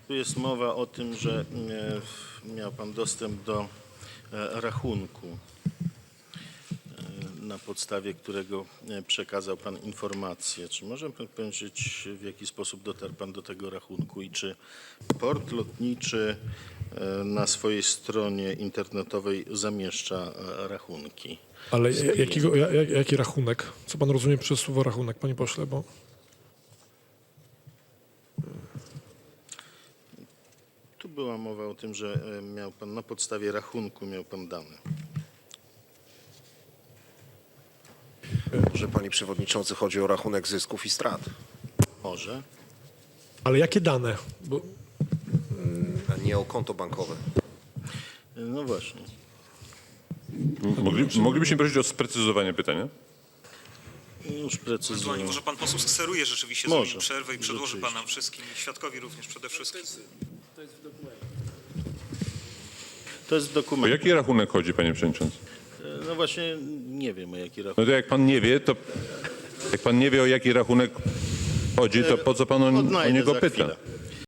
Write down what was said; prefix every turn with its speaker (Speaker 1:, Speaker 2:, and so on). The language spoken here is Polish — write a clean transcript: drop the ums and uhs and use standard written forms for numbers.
Speaker 1: Tu jest mowa o tym, że miał pan dostęp do rachunku, na podstawie którego przekazał pan informację. Czy może pan powiedzieć, w jaki sposób dotarł pan do tego rachunku i czy port lotniczy na swojej stronie internetowej zamieszcza rachunki?
Speaker 2: Ale jaki rachunek? Co pan rozumie przez słowo rachunek, panie pośle? Bo
Speaker 1: Tu była mowa o tym, że miał pan na podstawie rachunku miał pan dane.
Speaker 3: Może, panie przewodniczący, chodzi o rachunek zysków i strat,
Speaker 1: Może.
Speaker 2: ale jakie dane? Bo
Speaker 3: a nie o konto bankowe.
Speaker 1: No właśnie.
Speaker 4: Moglibyśmy prosić o sprecyzowanie pytania?
Speaker 1: Już
Speaker 5: Ewentualnie
Speaker 1: precyzuję.
Speaker 5: może pan poseł skseruje rzeczywiście
Speaker 1: Może,
Speaker 5: zrobić przerwę i przedłoży
Speaker 1: rzeczywiście.
Speaker 5: pan nam wszystkim, i świadkowi również przede wszystkim.
Speaker 1: To jest
Speaker 4: O
Speaker 1: dokument.
Speaker 4: jaki rachunek chodzi, panie przewodniczący?
Speaker 1: No właśnie nie wiem, o jaki
Speaker 4: No
Speaker 1: rachunek.
Speaker 4: to jak pan nie wie, o jaki rachunek chodzi, to po co pan o
Speaker 1: Odnajdę
Speaker 4: niego
Speaker 1: za
Speaker 4: pyta?
Speaker 1: chwilę.